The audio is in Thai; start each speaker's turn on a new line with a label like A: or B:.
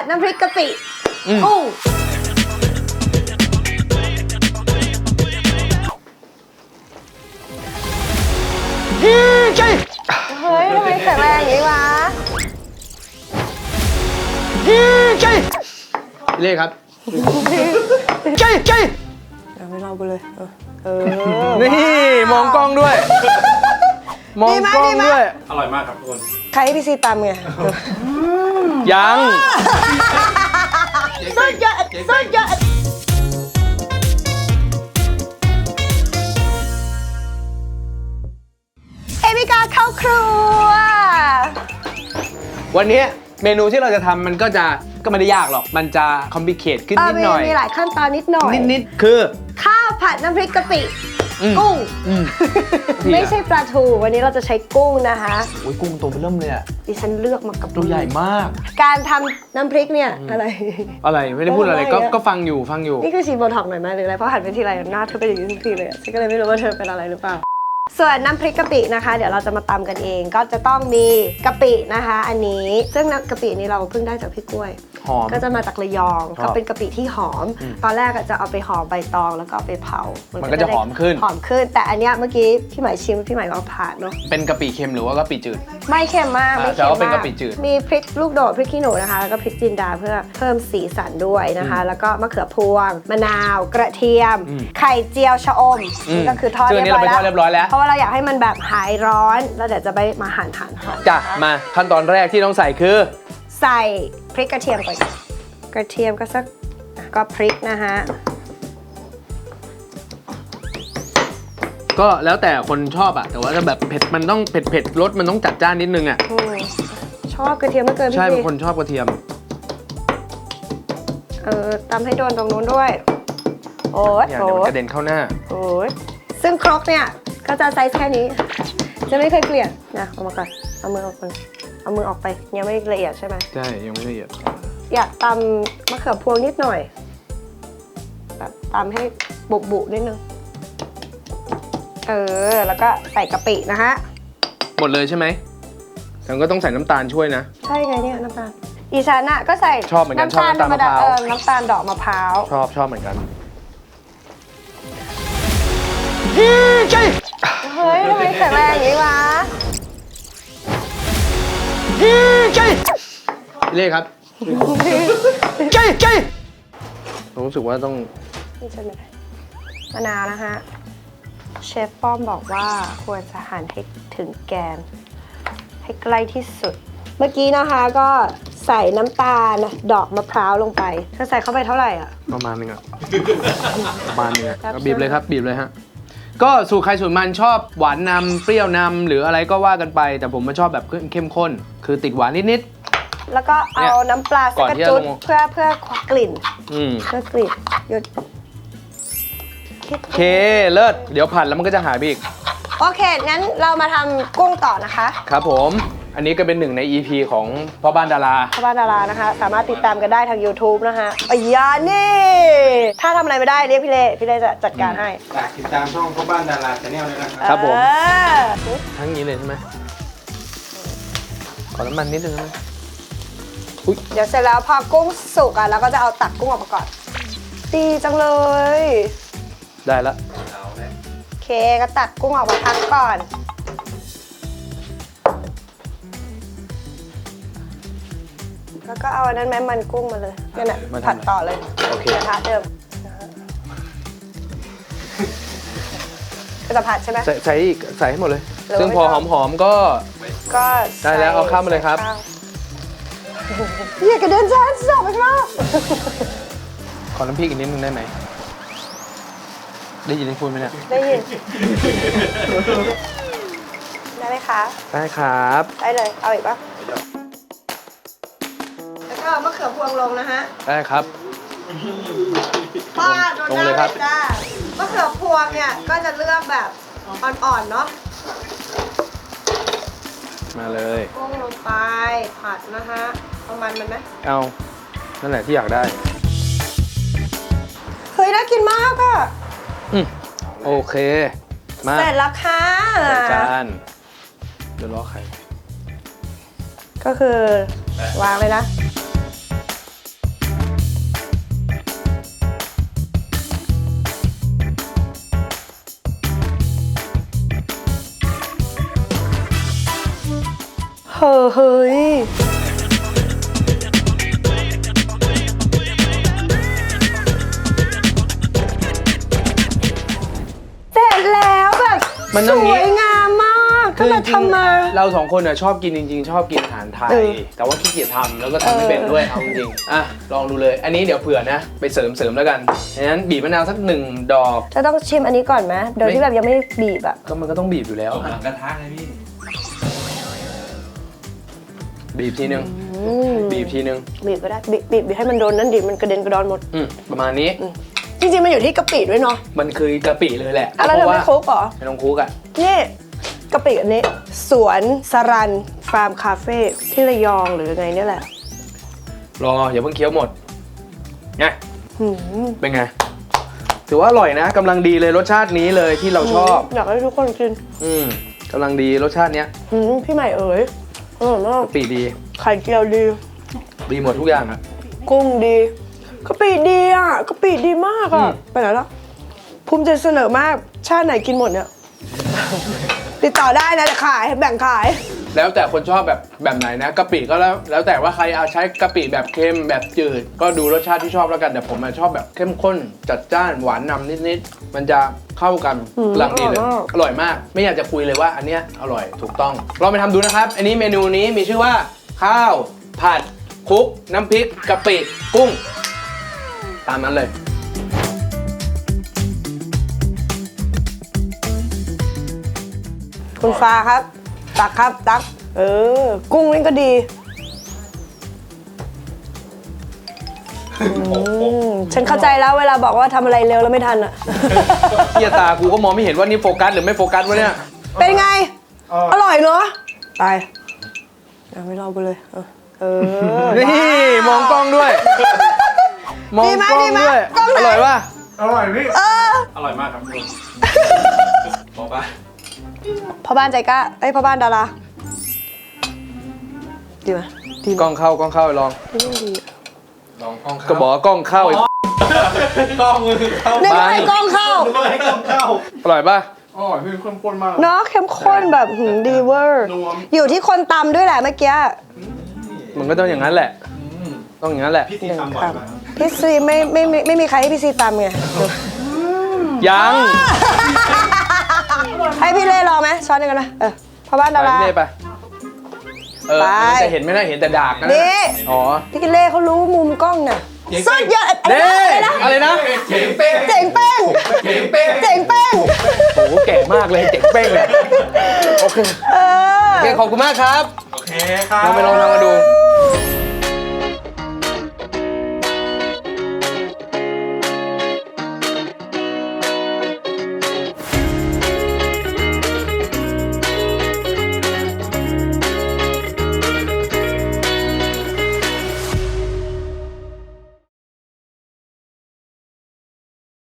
A: น้ำพริกกะปิกุ้ง
B: ใช่
A: เฮ้ยทำไมแข็งแรงอย่างนี้วะ
B: ใช่เรียกครับใช่ใช่
A: เดี๋ยวไม่รอกูเลย
B: นี่มองกล้องด้วยมองกล้องด้วย
C: อร่อยมากครับทุกคน
A: ใครให้พี่ซีตามไง
B: ยัง
A: สุดยอดสุดยอดเอมิกาเข้าครัว
B: วันนี้เมนูที่เราจะทำมันก็ไม่ได้ยากหรอกมันจะคอมพลิเคทขึ้นนิดหน่อย
A: มีหลายขั้นตอนนิดหน่อย
B: นิดคือ
A: ข้าวผัดน้ำพริกกะปิกุ้งไม่ใช่ปลาทูวันนี้เราจะใช้กุ้งนะคะ
B: โอ้ยกุ้งตัวเริ่มเลยอ่ะ
A: ดิฉันเลือกมากับ
B: ตัวใหญ่มาก
A: การทำน้ำพริกเนี่ยอะไร
B: ไม่ได้พูดอะไรก็ฟังอยู่
A: นี่คือฉีดโบท็อกซ์หน่อยไหมหรืออะไรเพราะหันไปทีไรหน้าเธอเป็นอย่างนี้ทุกทีเลยฉันก็เลยไม่รู้ว่าเธอเป็นอะไรหรือเปล่าส่วนน้ำพริกกะปินะคะเดี๋ยวเราจะมาตำกันเองก็จะต้องมีกะปินะคะ อันนี้ซึ่งน้ำกะปินี้เราเพิ่งได้จากพี่กล้วย
B: หอม
A: ก็จะมาจากระยองก็เป็นกะปิที่หอม ตอนแรกจะเอาไปห่อใบตองแล้วก็เอาไปเผา
B: มันก็จะหอมขึ้น
A: แต่อันเนี้ยเมื่อกี้พี่หมายชิมพี่หมายว่าผ่านเนาะ
B: เป็นกะปิเค็มหรือว่ากะปิจืด
A: ไม่เค็มมากไม่
B: แต่
A: เค็ม
B: ว่าเป็น
A: มาก
B: กะปิจืด
A: มีพริกลูกโดดพริกขี้หนูนะคะแล้วก็พริกจินดาเพื่อเพิ่มสีสันด้วยนะคะ แล้วก็มะเขือพวงมะนาวกระเทียม ไข่เจียวชะอมนี่ก็คือทอด
B: ซึ่งอันนี้เราไปทอดเรียบร้อยแล้ว
A: เพราะว่าเราอยากให้มันแบบหายร้อนแล้วเดี๋ยวจะไปมาหั่นหอม
B: จ้ะมาขั้นตอนแรกที่ต้องใส่คือ
A: ใส่พริกกระเทียมก่อนกระเทียมก็สักก็พริกนะคะ
B: ก็แล้วแต่คนชอบอะแต่ว่าจะแบบเผ็ดมันต้องเผ็ดรสมันต้องจัดจ้านนิดนึงอะ
A: ชอบกระเทียมไม่เกินพี่
B: ใช่บางคนชอบกระเทียม
A: ตำให้โดนตรงนู้นด้วยโอ๊ย
B: เนี่ยเดี๋ยวมันกระเด็นเข้าหน้า
A: โอ๊ยซึ่งครกเนี่ยก็จะไซส์แค่นี้ จะไม่เคยเปลี่ยนนะเอามาก่อนเอามือออกไปเอามือออกไปยังไม่ละเอียดใช่ไหม
B: ใช่ยังไม่ละเอียด
A: อยากตำมะเขือพวงนิดหน่อยแบบตำให้บุนิดนึงแล้วก็ใส่กะปินะฮะ
B: หมดเลยใช่ไหมแต่ก็ต้องใส่น้ำตาลช่วยนะ
A: ใช่ไงเนี่ยน้ำตาลอีฉันอะก็ใส่
B: ชอบเหมือนกันชอบน้ำตาลมะพร้าว
A: น้ำตาลดอกมะพร้าว
B: ชอบเหมือนกันใช่
A: เฮ้ยทำไมแข็งแรงอย่างนี้วะ
B: ใช่เรียกครับใช่ผมรู้สึกว่าต้อง
A: นี่ใช่ไหมมะนาวนะคะเชฟป้อมบอกว่าควรจะหั่นให้ถึงแกนให้ใกล้ที่สุด เมื่อกี้นะคะก็ใส่น้ำตาลดอกมะพร้าวลงไปเธอใส่เข้าไปเท่าไหร่อ่ะ
B: ประมาณนึงอะประมาณนึงอะเอาบีบเลยครับบีบเลยฮะก็สูตรใครสูตรมันชอบหวานนำเปรี้ยวนำหรืออะไรก็ว่ากันไป แต่ผมมาชอบแบบเข้มข้น คือติดหวานนิด
A: แล้วก็เอาน้ำปลาสักกระจุดเพื่อกลิ่น
B: ๆ
A: เพื่อกลิ่นหยุด
B: โอเคเลิศเดี๋ยวผัดแล้วมันก็จะหายไปอีก
A: โอเคงั้นเรามาทำกุ้งต่อนะคะ
B: ครับผมอันนี้ก็เป็นหนึ่งใน EP ของพ่อบ้านดารา
A: พ่อบ้านดารานะคะ สามารถติดตามกันได้ทาง YouTube นะคะอยานี่ถ้าทำอะไรไม่ได้เรียกพี่เล่จะจัดการให้
C: ฝากติดตามช่องพ่อบ้านดาราชาแนลด้วยนะครับ
B: ครับผม
A: เออ
B: ทั้งนี้เลยใช่ไหมขอน้ำมันนิดนึงได้ไหม
A: เดี๋ยวเสร็จแล้วพอกุ้งสุกอ่ะเราก็จะเอาตักกุ้งออกมาก่อนดีจังเลย
B: ได้ละ
A: โอเคก็ตักกุ้งออกมาพักก่อนแล้วก็เอาอันนั้นแม่มันกุ้งมาเลยนั่นแหละผัดต่อเลย
B: โอเค
A: กระทะเดิมก็จะผัดใช่ไหม
B: ใส่อีกใส่ให้หมดเลย
A: หรือว่า
B: ซึ่งพอ
A: ไม่ต้อง
B: หอมๆก็
A: ก็
B: ได้แล้วเอาข้าวมาเลยครับ
A: อย่ากระเด็นฉันสอบไปข้างนอก
B: ขอน้ำพริกอีกนิดนึงได้ไหมได้ยินที่พูดไหมเนี่ย
A: ได้ยิน ได้ไหมคะ
B: ได้ครับ
A: ได้เลย เอาอีกปะแล้วก็มะเขือพวงลงนะฮะ
B: ได้ครับ
A: ป้าโดน
B: ลง
A: หน้า
B: เลยครับ
A: จ้ามะเขือพวงเนี่ยก็จะเลือกแบบอ่อนๆเนาะ
B: มาเลย
A: กุ้งลงไปผัดนะฮะเอามันไหม
B: เอานั่นแหละที่อยากได้
A: เฮ้ยน่ากินมากอะ
B: โอเคมา
A: เสร็จแล้วค่ะ
B: ใส่จานเดี๋ยวรอไข่
A: ก็คือวางเลยนะเฮ้ยเสร็จแล้วแบบ
B: มัน
A: ส
B: ต้องงี้
A: วยงามมากก็มาทำมา
B: เราสองคนชอบกินจริงๆ ชอบกินอาหารไทย แต่ว่าขี้เกียจทำแล้วก็ทำไม่เป็นด้วยเอาจริงๆอ่ะลองดูเลย อันนี้เดี๋ยวเผื่อนะ ไปเสริมแล้วกันดังนั้นบีบมะนาวสัก1 ดอก
A: จะต้องชิมอันนี้ก่อนไหมโดยที่แบบยังไม่บีบอะ
B: ก็มันก็ต้องบีบอยู่แล้ว
C: หลังกระทะไงพี่
B: บีบทีนึง บีบทีนึง
A: บีบก็ได้บีบให้มันโดนนั่นดิมันกระเด็นกระดอนหมด
B: ประมาณนี้
A: จริงๆมันอยู่ที่กะปิด้วยเนาะ
B: มันคือกะปิเลยแหละ
A: อะไรเธอไม่คลุกเหรอ
B: ไม่ต้องคลุกอ่ะ
A: นี่กะปิอันนี้ สวนสรันฟาร์มคาเฟ่ที่ระยองหรือไงเนี่ยแหละ
B: รออย่าเพิ่งเคี้ยวหมดไง
A: หืม
B: เป็นไง ถือว่าอร่อยนะกำลังดีเลยรสชาตินี้เลยที่เราชอบ
A: อยากให้ทุกคนกิน
B: กำลังดีรสชาติเนี้ย
A: พี่ใหม่เอ๋ยอร่อยมาก
B: กะปิดี
A: ไข่เจียวดี
B: ดีหมดทุกอย่างอ่ะ
A: กุ้งดีกะปิดีอ่ะกะปิดีมากอ่ะไปไหนแล้วภูมิใจเสนอมากชาติไหนกินหมดเนี่ย ติดต่อได้นะจะขายแบ่งขาย
B: แล้วแต่คนชอบแบบไหนนะกะปิก็แล้วแต่ว่าใครเอาใช้กะปิแบบเค็มแบบจืด ก็ดูรสชาติที่ชอบแล้วกันแต่ผมชอบแบบเข้มข้นจัดจ้านหวานนำนิดๆมันจะเข้ากันกำลังดีเลยอร่อยมาก ไม่อยากจะคุยเลยว่าอันเนี้ยอร่อยถูกต้องลองไปทำดูนะครับ อันนี้เมนูนี้มีชื่อว่า ข้าวผัดคลุกน้ำพริกกะปิกุ้ง ตามนั้นเลย
A: คุณฟ้าครับตักครับตักกุ้งนี่ก็ดีฉันเข้าใจแล้วเวลาบอกว่าทำอะไรเร็วแล้วไม่ทันอ่ะ
B: เฮียตากูก็มองไม่เห็นว่านี่โฟกัสหรือไม่โฟกัสวะเนี่ย
A: เป็นไง อร่อยเนาะไปไม่รอกูเลย
B: นี่มองกล้องด้วย มองกล้องด้วย อร่อยป่ะ
C: อร่อยพี่อร่อยมากครับคุณบอกป่ะ
A: พ่อบ้านใจกล้าพ่อบ้านดาราดีไหมดี
B: กล้องเข้าไปลอง
A: ดีไม่ดี
C: ลองกล้องเข้า
B: ก็บอกว่ากล้องเข้าอีก
C: กล้องมือเข้า
A: นึกว่าให้กล้องเข้า
C: ให้กล้องเข้า
B: อร่อยป่ะ
C: อร่อยพี่เข้มข้นมาก
A: เนาะเข้มข้นแบบดีเวอร์
C: นัว
A: อยู่ที่คนตำด้วยแหละเมื่อกี้
B: มันก็ต้องอย่างนั้นแหละ ต้องอย่างนั้นแหละ
C: พี่ซีทำบ่อยมาก
A: พี่ซีไม่มีใครให้พี่ซีตำไง
B: ยัง
A: ให้พี่เล่ลองไหมช้อนหนึงกันนะพ่อบ้าน
B: ไป
A: ดารา
B: พี่เล่ไป
A: ไป
B: มันจะเห็นไม่ได้เห็นแต่ดากนะ
A: นี่
B: อ๋อ
A: พี่เล่เขารู้มุมกล้องน่ะสุดยอด
B: เด้อะไรนะ
C: เจ๋งเป้ง
A: เจ๋งเป้ง
C: เจ๋งเป้ง
A: เจ๋งเป้ง
B: โอ้โหแก่มากเลยเจ๋งเป้งเลยโอเคโอเคขอบคุณมากครับ
C: โอเคครับ
B: ลองไปลองทำมาดู